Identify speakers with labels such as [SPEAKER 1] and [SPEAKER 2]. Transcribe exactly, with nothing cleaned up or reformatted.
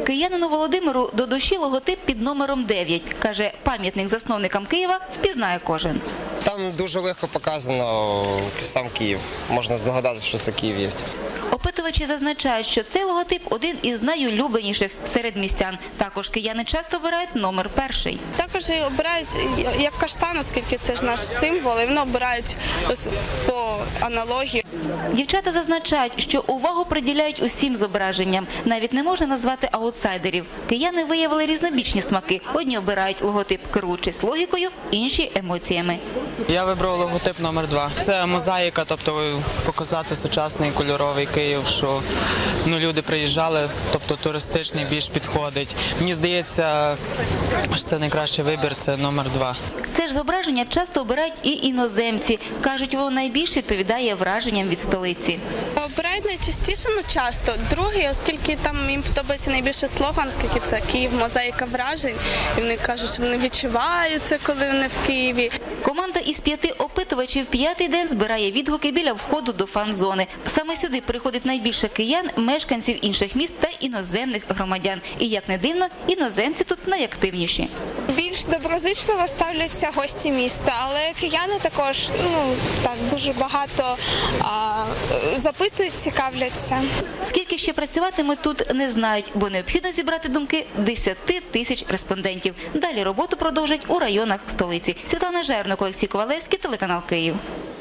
[SPEAKER 1] Киянину Володимиру до душі логотип під номером дев'ять. Каже, пам'ятник засновникам Києва впізнає кожен.
[SPEAKER 2] Там дуже легко показано сам Київ. Можна здогадатися, що це Київ є.
[SPEAKER 1] Опитувачі зазначають, що цей логотип – один із найулюбленіших серед містян. Також кияни часто обирають номер перший.
[SPEAKER 3] Також обирають як каштан, оскільки це ж наш символ, і вони обирають по аналогії.
[SPEAKER 1] Дівчата зазначають, що увагу приділяють усім зображенням. Навіть не можна назвати аутсайдерів. Кияни виявили різнобічні смаки. Одні обирають логотип, керуючись логікою, інші – емоціями.
[SPEAKER 4] Я вибрав логотип номер два. Це мозаїка, тобто показати сучасний кольоровий Київ, що ну, люди приїжджали, тобто туристичний більш підходить. Мені здається, що це найкращий вибір, це номер два.
[SPEAKER 1] Це ж зображення часто обирають і іноземці. Кажуть, воно найбільш відповідає враженням від столиці.
[SPEAKER 3] Обирають найчастіше, ну часто. Другий, оскільки там їм подобається найбільше слоган, оскільки це Київ, мозаїка вражень. І вони кажуть, що вони відчувають це, коли вони в Києві.
[SPEAKER 1] Команда із п'яти опитувачів п'ятий день збирає відгуки біля входу до фан-зони. Саме сюди приходить найбільше киян, мешканців інших міст та іноземних громадян. І, як не дивно, іноземці тут найактивніші.
[SPEAKER 5] Більш доброзичливо ставляться гості міста, але кияни також ну, так, дуже багато а, запитують, цікавляться.
[SPEAKER 1] Скільки ще працюватимуть тут, не знають, бо необхідно зібрати думки десяти тисяч респондентів. Далі роботу продовжать у районах столиці. Світлана Жернок, Олексій Ковалевський, телеканал Київ.